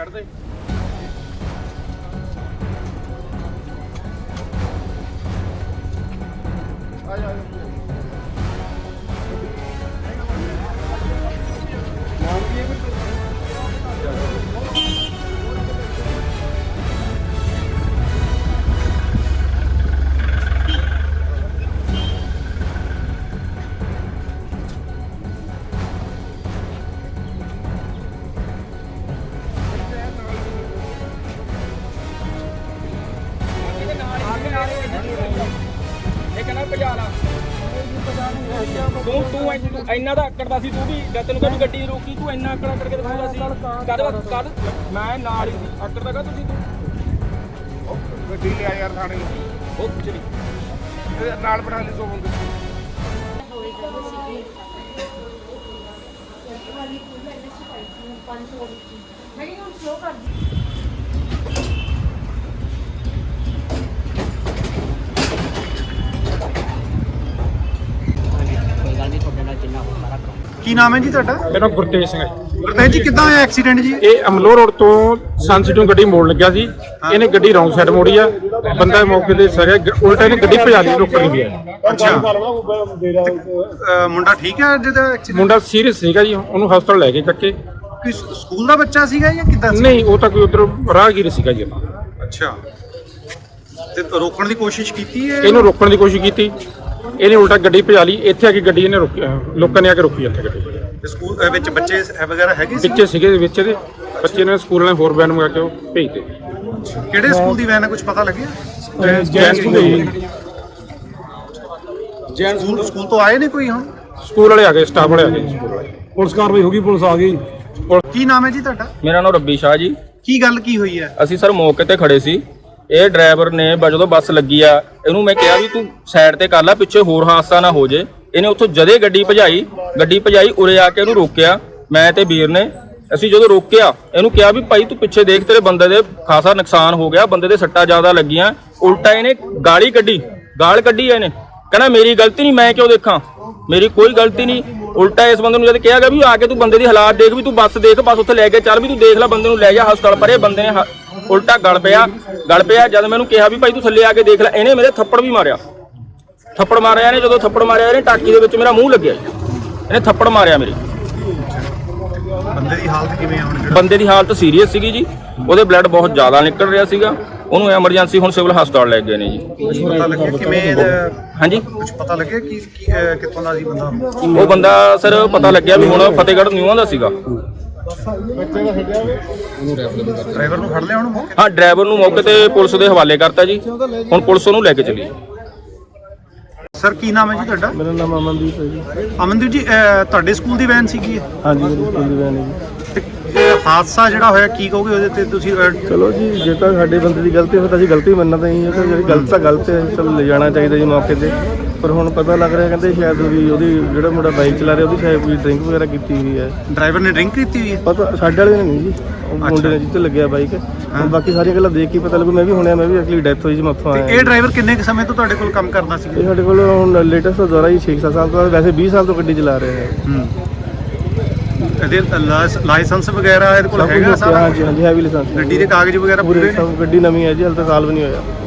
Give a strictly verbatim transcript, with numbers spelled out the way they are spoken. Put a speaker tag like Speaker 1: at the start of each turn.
Speaker 1: Side ਤੇ ਆ ਜਾ ਤੂੰ ਤੂੰ ਇੰਨਾ ਦਾ ਆਕੜਦਾ ਸੀ ਤੂੰ ਵੀ ਜਦ ਤੈਨੂੰ ਕਹਿੰਦੀ ਗੱਡੀ ਰੋਕੀ ਤੂੰ ਇੰਨਾ ਆਕੜਾ ਕਰਕੇ ਦਿਖਾਉਂਦਾ ਸੀ ਕਦ ਕਦ ਮੈਂ ਨਾਲ ਹੀ ਆਕੜਦਾ ਕਾ ਤੁਸੀਂ ਤੂੰ ਗੱਡੀ ਲਿਆ ਯਾਰ ਥਾਣੇ ਉਹ ਕੁਛ ਨਹੀਂ ਨਾਲ ਬਣਾ ਲਈ ਸੋ ਬੰਦੇ
Speaker 2: ਕੀ ਨਾਮ ਹੈ ਜੀ ਤੁਹਾਡਾ?
Speaker 3: ਮੇਰਾ ਗੁਰਤੇਜ ਸਿੰਘ ਹੈ।
Speaker 2: ਗੁਰਤੇਜ ਜੀ, ਕਿੱਦਾਂ ਹੋਇਆ ਐਕਸੀਡੈਂਟ ਜੀ?
Speaker 3: ਇਹ ਅਮਲੋਹ ਰੋਡ ਤੋਂ ਸੰਸਿਟੀ ਨੂੰ ਗੱਡੀ ਮੋੜ ਲੱਗਿਆ ਸੀ। ਇਹਨੇ ਗੱਡੀ ਰੌਂਗ ਸਾਈਡ ਮੋੜੀ ਆ। ਬੰਦਾ ਮੌਕੇ ਤੇ ਸਰਿਆ, ਉਲਟਾ ਇਹਨੇ ਗੱਡੀ ਭਜਾ ਲਈ, ਰੋਕਣ ਨਹੀਂ ਗਿਆ।
Speaker 2: ਅੱਛਾ, ਮੁੰਡਾ ਠੀਕ ਹੈ ਜਿਹਦਾ ਐਕਸੀਡੈਂਟ?
Speaker 3: ਮੁੰਡਾ ਸੀਰੀਅਸ ਸੀਗਾ ਜੀ, ਉਹਨੂੰ ਹਸਪਤਾਲ ਲੈ ਕੇ ਚੱਕੇ।
Speaker 2: ਕੋਈ ਸਕੂਲ ਦਾ ਬੱਚਾ ਸੀਗਾ ਜਾਂ ਕਿੱਦਾਂ?
Speaker 3: ਨਹੀਂ, ਉਹ ਤਾਂ ਕੋਈ ਉਧਰ ਰਾਹਗੀਰ ਸੀਗਾ ਜੀ।
Speaker 2: ਅੱਛਾ, ਤੇ ਰੋਕਣ ਦੀ ਕੋਸ਼ਿਸ਼ ਕੀਤੀ ਹੈ?
Speaker 3: ਇਹਨੂੰ ਰੋਕਣ ਦੀ ਕੋਸ਼ਿਸ਼ ਕੀਤੀ, ਇਹਨੇ ਉਲਟਾ ਗੱਡੀ ਭਜਾ ਲਈ। ਇੱਥੇ ਆ ਕੇ ਗੱਡੀ ਇਹਨੇ ਰੋਕੀ, ਲੋਕਾਂ ਨੇ ਆ ਕੇ ਰੋਕੀ ਇੱਥੇ ਗੱਡੀ।
Speaker 2: ਸਕੂਲ ਵਿੱਚ ਬੱਚੇ ਵਗੈਰਾ ਹੈਗੇ ਸੀ?
Speaker 3: ਬੱਚੇ ਸੀਗੇ ਵਿੱਚ ਇਹਦੇ, ਬੱਚੇ ਨੇ ਸਕੂਲ ਵਾਲੇ ਹੋਰ ਵੈਨ ਮੰਗਾ ਕੇ ਉਹ ਭੇਜਦੇ।
Speaker 2: ਕਿਹੜੇ ਸਕੂਲ ਦੀ ਵੈਨ ਹੈ, ਕੁਝ ਪਤਾ ਲੱਗਿਆ?
Speaker 3: Jain school
Speaker 2: Jain school school ਤੋਂ ਆਏ ਨੇ ਕੋਈ? ਹੁਣ
Speaker 3: ਸਕੂਲ ਵਾਲੇ ਆ ਗਏ, ਸਟਾਫ ਵਾਲੇ ਆ ਗਏ, ਪੁਲਿਸ ਕਾਰਵਾਈ ਹੋ ਗਈ, ਪੁਲਿਸ ਆ ਗਈ।
Speaker 2: ਕੀ ਨਾਮ ਹੈ ਜੀ ਤੁਹਾਡਾ?
Speaker 4: ਮੇਰਾ ਨਾਮ ਰੱਬੀ ਸ਼ਾਹ ਜੀ।
Speaker 2: ਕੀ ਗੱਲ ਕੀ ਹੋਈ ਹੈ?
Speaker 4: ਅਸੀਂ ਸਰ ਮੌਕੇ ਤੇ ਖੜੇ ਸੀ। ਇਹ ਡਰਾਈਵਰ ਨੇ ਜਦੋਂ ਬੱਸ ਲੱਗੀ ਆ, ਇਹਨੂੰ ਮੈਂ ਕਿਹਾ ਵੀ ਤੂੰ ਸਾਈਡ ਤੇ ਕਰ ਲੈ, ਪਿੱਛੇ ਹੋਰ ਹਾਦਸਾ ਨਾ ਹੋ ਜੇ। ਇਹਨੇ ਉੱਥੋਂ ਜਦੇ ਗੱਡੀ ਭਜਾਈ ਗੱਡੀ ਭਜਾਈ ਉਰੇ ਆ ਕੇ ਇਹਨੂੰ ਰੋਕਿਆ, ਮੈਂ ਤੇ ਵੀਰ ਨੇ। ਅਸੀਂ ਜਦੋਂ ਰੋਕਿਆ, ਇਹਨੂੰ ਕਿਹਾ ਵੀ ਭਾਈ ਤੂੰ ਪਿੱਛੇ ਦੇਖ, ਤੇਰੇ ਬੰਦੇ ਦੇ ਖਾਸਾ ਨੁਕਸਾਨ ਹੋ ਗਿਆ, ਬੰਦੇ ਦੇ ਸੱਟਾਂ ਜ਼ਿਆਦਾ ਲੱਗੀਆਂ। ਉਲਟਾ ਇਹਨੇ ਗਾਲੀ ਕੱਢੀ, ਗਾਲ ਕੱਢੀ ਇਹਨੇ, ਕਹਿੰਦਾ ਮੇਰੀ ਗਲਤੀ ਨਹੀਂ, ਮੈਂ ਕਿਉਂ ਦੇਖਾਂ, ਮੇਰੀ ਕੋਈ ਗਲਤੀ ਨਹੀਂ। ਉਲਟਾ ਇਸ ਬੰਦੇ ਨੂੰ ਜਦ ਕਿਹਾ ਗਿਆ ਵੀ ਆ ਕੇ ਤੂੰ ਬੰਦੇ ਦੀ ਹਾਲਾਤ ਦੇਖ, ਵੀ ਤੂੰ ਬੱਸ ਦੇਖ, ਬੱਸ ਉੱਥੇ ਲੈ ਕੇ ਚੱਲ, ਵੀ ਤੂੰ ਦੇਖ ਲੈ, ਬੰਦੇ ਨੂੰ ਲੈ ਜਾ ਹਸਪਤਾਲ। ਪਰ ਇਹ ਬੰਦੇ ਨੇ ਉਲਟਾ ਗਲ ਪਿਆ ਗਲ ਪਿਆ ਜਦ ਮੈਨੂੰ ਕਿਹਾ ਵੀ ਭਾਈ ਤੂੰ ਥੱਲੇ ਆ ਕੇ ਦੇਖ ਲੈ, ਇਹਨੇ ਮੇਰੇ ਥੱਪੜ ਵੀ ਮਾਰਿਆ। ਥੱਪੜ ਮਾਰਿਆ ਇਹਨੇ, ਜਦੋਂ ਥੱਪੜ ਮਾਰਿਆ ਇਹਨੇ ਟਾਕੀ ਦੇ ਵਿੱਚ ਮੇਰਾ ਮੂੰਹ ਲੱਗਿਆ, ਇਹਨੇ ਥੱਪੜ ਮਾਰਿਆ ਮੇਰੇ।
Speaker 2: ਬੰਦੇ ਦੀ ਹਾਲਤ ਕਿਵੇਂ ਆ ਹੁਣ?
Speaker 4: ਬੰਦੇ ਦੀ ਹਾਲਤ ਸੀਰੀਅਸ ਸੀਗੀ ਜੀ, ਉਹਦੇ ਬਲੱਡ ਬਹੁਤ ਜ਼ਿਆਦਾ ਨਿਕਲ ਰਿਹਾ ਸੀਗਾ। ਉਹਨੂੰ ਐਮਰਜੈਂਸੀ ਹੁਣ ਸਿਵਲ ਹਸਪਤਾਲ ਲੈ ਗਏ ਨੇ ਜੀ।
Speaker 2: ਪਤਾ ਲੱਗਿਆ ਕਿਵੇਂ?
Speaker 4: ਹਾਂਜੀ,
Speaker 2: ਕੁਝ ਪਤਾ ਲੱਗਿਆ ਕਿ ਕਿੱਥੋਂ ਦਾ ਸੀ ਬੰਦਾ?
Speaker 4: ਉਹ ਬੰਦਾ ਸਰ ਪਤਾ ਲੱਗਿਆ ਵੀ ਹੁਣ ਫਤਿਹਗੜ੍ਹ ਨਿਊਆਂ ਦਾ ਸੀਗਾ।
Speaker 2: ਡਰਾਈਵਰ ਨੂੰ ਫੜ ਲਿਆ ਹੁਣ ਮੌਕੇ?
Speaker 4: ਹਾਂ, ਡਰਾਈਵਰ ਨੂੰ ਮੌਕੇ ਤੇ ਪੁਲਿਸ ਦੇ ਹਵਾਲੇ ਕਰਤਾ ਜੀ। ਹੁਣ ਪੁਲਿਸ ਉਹਨੂੰ ਲੈ ਕੇ ਚੱਲੀ।
Speaker 2: ਸਰ ਕੀ ਨਾਮ ਹੈ ਜੀ ਤੁਹਾਡਾ?
Speaker 5: ਮੇਰਾ ਨਾਮ ਅਮਨਦੀਪ ਹੈ ਜੀ।
Speaker 2: ਅਮਨਦੀਪ ਜੀ, ਤੁਹਾਡੇ ਸਕੂਲ ਦੀ ਵੈਨ ਸੀਗੀ?
Speaker 5: ਹਾਂਜੀ, ਮੇਰੀ ਸਕੂਲ ਦੀ ਵੈਨ ਹੈ ਜੀ।
Speaker 2: ਤੇ ਹਾਦਸਾ ਜਿਹੜਾ ਹੋਇਆ ਕੀ ਕਹੋਗੇ ਉਹਦੇ ਤੇ ਤੁਸੀਂ?
Speaker 5: ਚਲੋ ਜੀ, ਜੇ ਤਾਂ ਸਾਡੇ ਬੰਦੇ ਦੀ ਗਲਤੀ ਹੋਵੇ ਤਾਂ ਅਸੀਂ ਗਲਤੀ ਮੰਨਣਾ ਤਾਂ ਹੀ ਹੈ। ਤਾਂ ਜਿਹੜੀ ਗਲਤ ਤਾਂ ਗਲਤ ਹੈ, ਚਲੋ ਲੈ ਜਾਣਾ ਚਾਹੀਦਾ ਜੀ ਮੌਕੇ ਤੇ। ਪਰ ਹੁਣ ਪਤਾ ਲੱਗ ਰਿਹਾ, ਕਹਿੰਦੇ ਸ਼ਾਇਦ ਵੀ ਉਹਦੀ ਜਿਹੜਾ ਮੁੰਡਾ ਬਾਈਕ ਚਲਾ ਰਿਹਾ ਉਹਦੀ ਸ਼ਾਇਦ ਕੋਈ ਡਰਿੰਕ ਵਗੈਰਾ ਕੀਤੀ ਹੋਈ ਹੈ।
Speaker 2: ਡਰਾਈਵਰ ਨੇ ਡਰਿੰਕ ਕੀਤੀ ਹੋਈ ਹੈ?
Speaker 5: ਪਤਾ ਸਾਡੇ ਵਾਲੇ ਨੇ ਨਹੀਂ ਜੀ, ਉਹ ਮੁੰਡੇ ਨੇ ਜਿੱਥੇ ਲੱਗਿਆ ਬਾਈਕ। ਹੁਣ ਬਾਕੀ ਸਾਰੀਆਂ ਗੱਲਾਂ ਦੇਖ ਕੇ ਪਤਾ ਲੱਗੂ। ਮੈਂ ਵੀ ਹੁਣਿਆ, ਮੈਂ ਵੀ ਅਗਲੀ ਡੈਥ ਹੋਈ ਜੀ, ਮੈਂ ਉੱਥੋਂ ਆਇਆ।
Speaker 2: ਇਹ ਡਰਾਈਵਰ ਕਿੰਨੇ ਕੁ ਸਮੇਂ ਤੋਂ ਤੁਹਾਡੇ ਕੋਲ ਕੰਮ ਕਰਦਾ ਸੀ?
Speaker 5: ਇਹ ਸਾਡੇ ਕੋਲ ਹੁਣ ਲੇਟੈਸਟ ਦੁਆਰਾ ਹੀ ਛੇ ਸੱਤ ਸਾਲ ਤੋਂ, ਵੈਸੇ ਵੀਹ ਸਾਲ ਤੋਂ ਗੱਡੀ ਚਲਾ ਰਿਹਾ ਹੈ।
Speaker 2: ਇਹਦੇ ਲਾਇਸੈਂਸ ਵਗੈਰਾ ਇਹਦੇ ਕੋਲ ਹੈਗਾ ਸਾਰਾ?
Speaker 5: ਹਾਂਜੀ ਹਾਂਜੀ, ਹੈਵੀ ਲਾਇਸੈਂਸ।
Speaker 2: ਗੱਡੀ ਦੇ ਕਾਗਜ਼ ਵਗੈਰਾ
Speaker 5: ਪੂਰੇ ਸਭ, ਗੱਡੀ ਨਵੀਂ ਹੈ ਜੀ, ਹਾਲੇ ਤਾਂ ਸਾਲ ਵੀ ਨਹੀਂ ਹੋਇਆ।